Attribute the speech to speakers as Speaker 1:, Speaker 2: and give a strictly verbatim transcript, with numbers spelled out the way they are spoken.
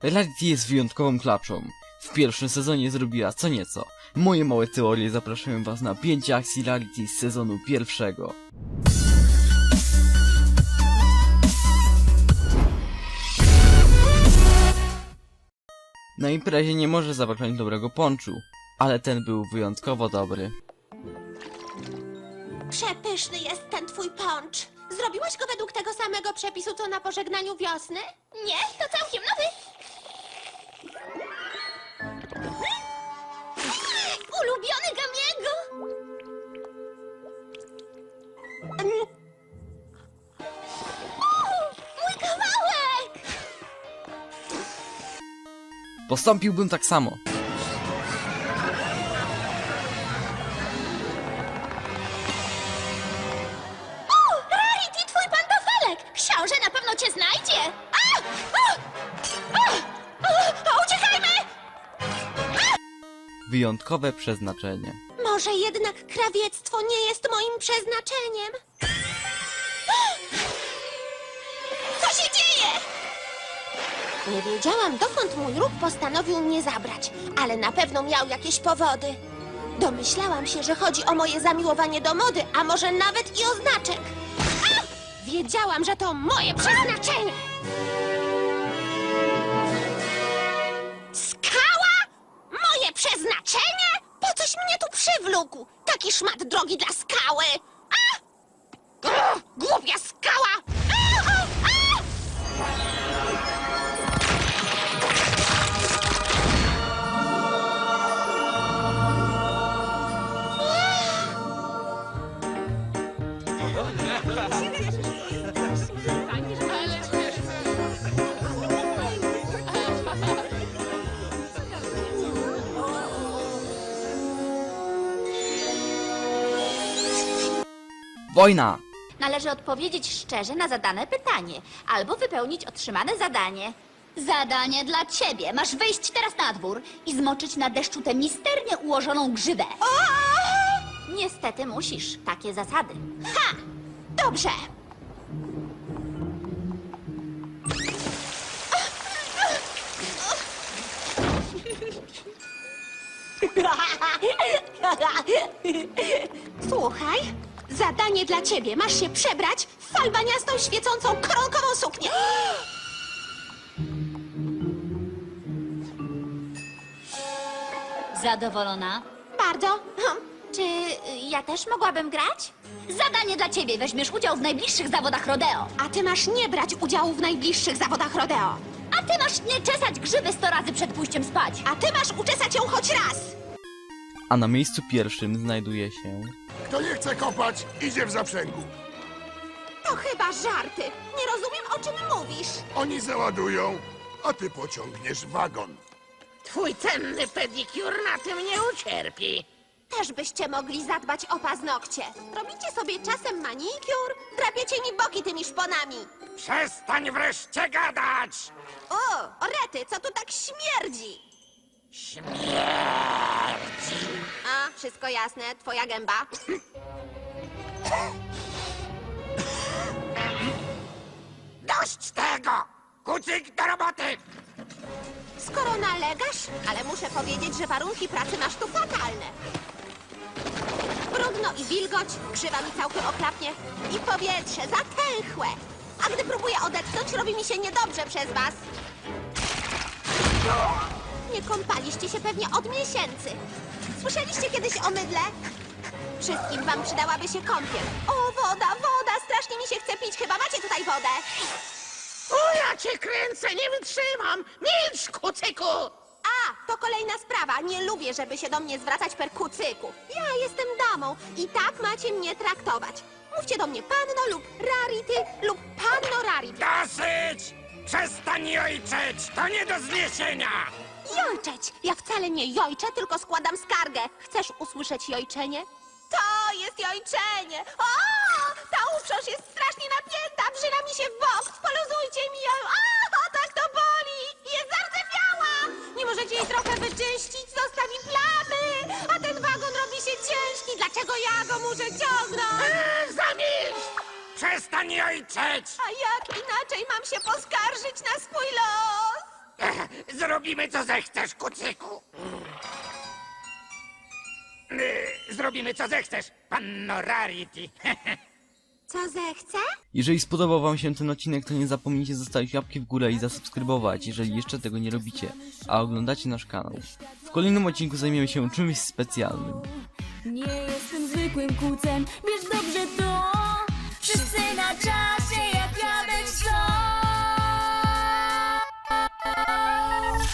Speaker 1: Rarity jest wyjątkową klaczą. W pierwszym sezonie zrobiła co nieco. Moje małe teorie zapraszają was na pięć akcji Rarity z sezonu pierwszego. Na imprezie nie może zabraknąć dobrego ponczu, ale ten był wyjątkowo dobry.
Speaker 2: Przepyszny jest ten twój poncz. Zrobiłaś go według tego samego przepisu, co na pożegnaniu wiosny? Nie, to całkiem nowy. Ulubiony Gamiego. Mój kawałek!
Speaker 1: Postąpiłbym tak samo.
Speaker 2: Rarity, twój pantofelek! Książę na pewno cię znajdzie! A! A! A! A! Uciekajmy!
Speaker 1: Wyjątkowe przeznaczenie.
Speaker 2: Może jednak krawiectwo nie jest moim przeznaczeniem? Co się dzieje? Nie wiedziałam, dokąd mój róg postanowił mnie zabrać, ale na pewno miał jakieś powody. Domyślałam się, że chodzi o moje zamiłowanie do mody, a może nawet i o znaczek. A! Wiedziałam, że to moje przeznaczenie! Skała? Moje przeznaczenie? Po coś mnie tu przywlókł? Taki szmat drogi dla skały! A! Grr, głupia skała! A! A! A!
Speaker 1: Wojna!
Speaker 3: Należy odpowiedzieć szczerze na zadane pytanie, albo wypełnić otrzymane zadanie. Zadanie dla ciebie. Masz wyjść teraz na dwór i zmoczyć na deszczu tę misternie ułożoną grzybę. Niestety musisz. Takie zasady.
Speaker 2: Ha! Dobrze. Słuchaj, zadanie dla ciebie. Masz się przebrać w falbaniastą, świecącą, koronkową suknię.
Speaker 3: Zadowolona?
Speaker 2: Bardzo. Hm.
Speaker 3: Czy y, ja też mogłabym grać? Zadanie dla ciebie. Weźmiesz udział w najbliższych zawodach rodeo.
Speaker 2: A ty masz nie brać udziału w najbliższych zawodach rodeo.
Speaker 3: A ty masz nie czesać grzyby sto razy przed pójściem spać.
Speaker 2: A ty masz uczesać ją choć raz.
Speaker 1: A na miejscu pierwszym znajduje się...
Speaker 4: Kto nie chce kopać, idzie w zaprzęgu.
Speaker 2: To chyba żarty. Nie rozumiem, o czym mówisz.
Speaker 4: Oni załadują, a ty pociągniesz wagon.
Speaker 5: Twój cenny pedikur na tym nie ucierpi.
Speaker 2: Też byście mogli zadbać o paznokcie. Robicie sobie czasem manikur, drapiecie mi boki tymi szponami.
Speaker 5: Przestań wreszcie gadać!
Speaker 2: O, orety, co tu tak śmierdzi?
Speaker 5: Śmierdzi!
Speaker 2: A, wszystko jasne, twoja gęba.
Speaker 5: Dość tego! Kucyk do roboty!
Speaker 2: Skoro nalegasz, ale muszę powiedzieć, że warunki pracy masz tu fatalne. Brudno i wilgoć, grzywa mi całkiem oklapnie i powietrze zatęchłe. A gdy próbuję odetchnąć, robi mi się niedobrze przez was. Nie kąpaliście się pewnie od miesięcy. Słyszeliście kiedyś o mydle? Wszystkim wam przydałaby się kąpiel. O, woda, woda, strasznie mi się chce pić. Chyba macie tutaj wodę.
Speaker 5: O, ja cię kręcę, nie wytrzymam! Milcz, kucyku!
Speaker 2: A, to kolejna sprawa. Nie lubię, żeby się do mnie zwracać per kucyku. Ja jestem damą i tak macie mnie traktować. Mówcie do mnie panno lub Rarity lub panno Rarity.
Speaker 5: Dosyć! Przestań jojczeć! To nie do zniesienia!
Speaker 2: Jojczeć! Ja wcale nie jojczę, tylko składam skargę. Chcesz usłyszeć jojczenie? To jest jojczenie! O! Ta uprząż jest strasznie napięta, wrzyna mi się w bok. Poluzujcie mi ją! O, tak to boli! Jest zardzewiała! Nie możecie jej trochę wyczyścić, zostawi plamy! A ten wagon robi się ciężki. Dlaczego ja go muszę ciągnąć?
Speaker 5: Eee, zamilcz! Przestań jojczeć!
Speaker 2: A jak inaczej mam się poskarżyć na swój los?
Speaker 5: Ech, zrobimy co zechcesz, kucyku. Yy, Zrobimy co zechcesz, panno Rarity.
Speaker 2: Co zechce?
Speaker 1: Jeżeli spodobał wam się ten odcinek, to nie zapomnijcie zostawić łapki w górę i zasubskrybować, jeżeli jeszcze tego nie robicie, a oglądacie nasz kanał. W kolejnym odcinku zajmiemy się czymś specjalnym.
Speaker 6: Nie jestem zwykłym kucem, bierz do